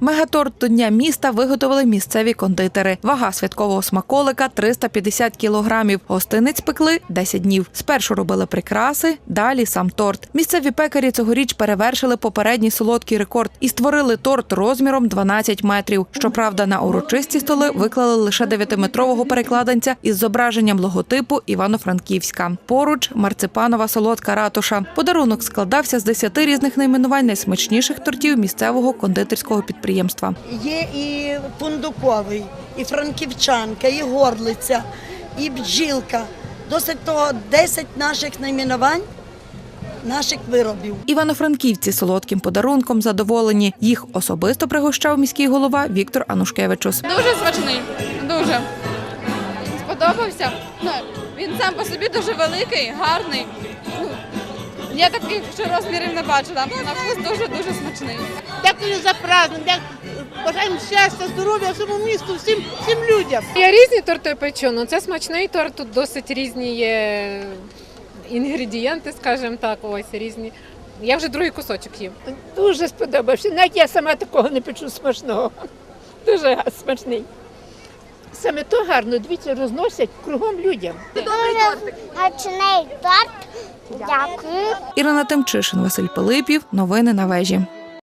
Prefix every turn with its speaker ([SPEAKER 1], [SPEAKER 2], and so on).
[SPEAKER 1] Мегаторт до Дня міста виготовили місцеві кондитери. Вага святкового смаколика – 350 кілограмів. Гостинець пекли 10 днів. Спершу робили прикраси, далі сам торт. Місцеві пекарі цьогоріч перевершили попередній солодкий рекорд і створили торт розміром 12 метрів. Щоправда, на урочисті столи виклали лише 9-метрового перекладинця із зображенням логотипу Івано-Франківська. Поруч – марципанова солодка ратуша. Подарунок складався з 10 різних найменувань найсмачніших тортів місцевого кондитерського підприємства.
[SPEAKER 2] Є і фундуковий, і франківчанка, і горлиця, і бджілка. Досить того 10 наших найменувань, наших виробів.
[SPEAKER 3] Івано-франківці солодким подарунком задоволені. Їх особисто пригощав міський голова Віктор Анушкевичус.
[SPEAKER 4] Дуже смачний, дуже. Сподобався. Він сам по собі дуже великий, гарний. Я таких ще розмірів не бачила. На вкус дуже-дуже смачний.
[SPEAKER 5] Дякую за праздник, бажаємо щастя, здоров'я всьому місту, всім людям.
[SPEAKER 6] Я різні торти печу, але це смачний торт, тут досить різні є інгредієнти, скажімо так, ось різні. Я вже другий кусочок їм.
[SPEAKER 5] Дуже сподобався, навіть я сама такого не печу смачного. Дуже смачний. Саме то гарно, дивіться, розносять кругом людям.
[SPEAKER 7] Дуже смачний торт. Дякую.
[SPEAKER 3] Ірина Тимчишин, Василь Пилипів. Новини на вежі.